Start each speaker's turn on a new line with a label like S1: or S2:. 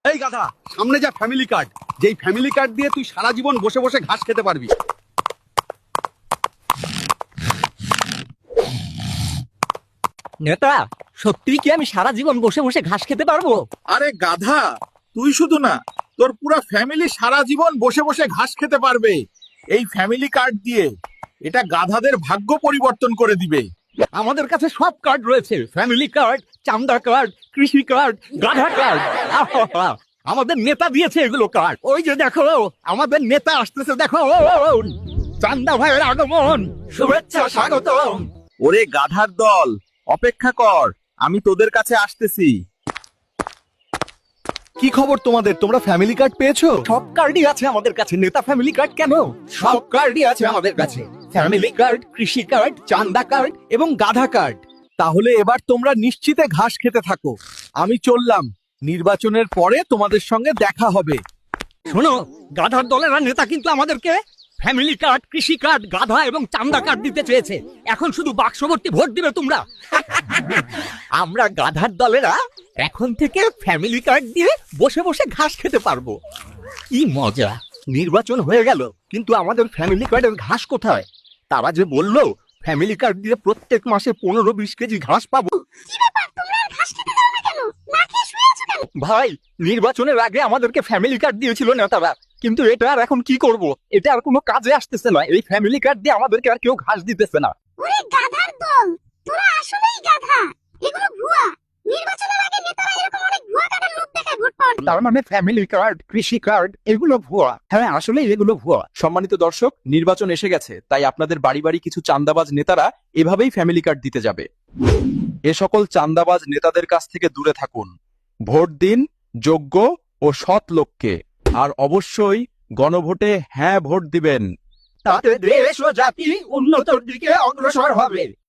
S1: এই গাধা, সামনে যা ফ্যামিলি কার্ড, যেই ফ্যামিলি কার্ড দিয়ে তুই সারা জীবন বসে বসে ঘাস খেতে পারবি।
S2: নেতা, সত্যি কি আমি সারা জীবন বসে বসে ঘাস খেতে পারবো?
S3: আরে গাধা, তুই শুধু না, তোর পুরো ফ্যামিলি সারা জীবন বসে বসে ঘাস খেতে পারবে এই ফ্যামিলি কার্ড দিয়ে। এটা গাধাদের ভাগ্য পরিবর্তন করে দিবে।
S2: আমাদের কাছে সব কার্ড রয়েছে, ফ্যামিলি কার্ড, চামড়া কার্ড, কৃষি কার্ড, গাধা কার্ড। আমাদের নেতা দিয়েছে এগুলো কার্ড। ওই যে দেখো, আমাদের নেতা আসতেছে, দেখো চান্দা ভাইয়ের আগমন, শুভেচ্ছা স্বাগত।
S3: ওরে গাধার দল, অপেক্ষা কর, আমি তোদের কাছে আসতেছি।
S1: কি খবর তোমাদের? তোমরা ফ্যামিলি কার্ড পেয়েছো?
S2: সব কার্ডই আছে আমাদের কাছে। নেতা ফ্যামিলি কার্ড কেন, সব কার্ডই আছে আমাদের কাছে। ফ্যামিলি কার্ড, কৃষি কার্ড, চান্দা কার্ড এবং গাধা কার্ড।
S1: তাহলে এবার তোমরা নিশ্চিতে ঘাস খেতে থাকো। আমি চললাম, নির্বাচনের পরে তোমাদের সঙ্গে দেখা হবে।
S2: শোনো, গাধার দলের নেতা কিন্তু আমাদেরকে ফ্যামিলি কার্ড, কৃষি কার্ড, গাধা এবং চান্দা কার্ড দিতে চেয়েছে। এখন শুধু বাক্সভর্তি ভোট দিবে তোমরা। আমরা গাধার দলেরা এখন থেকে ফ্যামিলি কার্ড দিয়ে বসে বসে ঘাস খেতে পারবো। কি মজা! নির্বাচন হয়ে গেল, কিন্তু আমাদের ফ্যামিলি কার্ডের ঘাস কোথায়? তারা যে বললো ফ্যামিলি কার্ড দিয়ে প্রত্যেক মাসে 15-20 কেজি ঘাস পাবো। ভাই, নির্বাচনের আগে আমাদেরকে ফ্যামিলি কার্ড দিয়েছিল নেতারা, কিন্তু এটা আর এখন কি করব? এটা আর কোনো কাজে আসতেছে না। এই ফ্যামিলি কার্ড দিয়ে আমাদেরকে আর কেউ ঘাস দিতেছে না।
S4: ওরে গাধার দল, তোরা আসলেই গাধা। এগুলো ভুয়া। নির্বাচনের আগে নেতারা এরকম অনেক ভুয়া কার্ডের লোক দেখায় ভোট পাওয়ার জন্য।
S2: তার মানে ফ্যামিলি কার্ড, কৃষি কার্ড এগুলো ভুয়া? হ্যাঁ, আসলে এগুলো ভুয়া।
S5: সম্মানিত দর্শক, নির্বাচন এসে গেছে, তাই আপনাদের বাড়ি বাড়ি কিছু চান্দাবাজ নেতারা এভাবেই ফ্যামিলি কার্ড দিতে যাবে। এ সকল চান্দাবাজ নেতাদের কাছ থেকে দূরে থাকুন। ভোট দিন যোগ্য ও সৎ লোককে, আর অবশ্যই গণভোটে হ্যাঁ ভোট দিবেন।
S2: তাতে দেশ ও জাতি উন্নতির দিকে অগ্রসর হবে।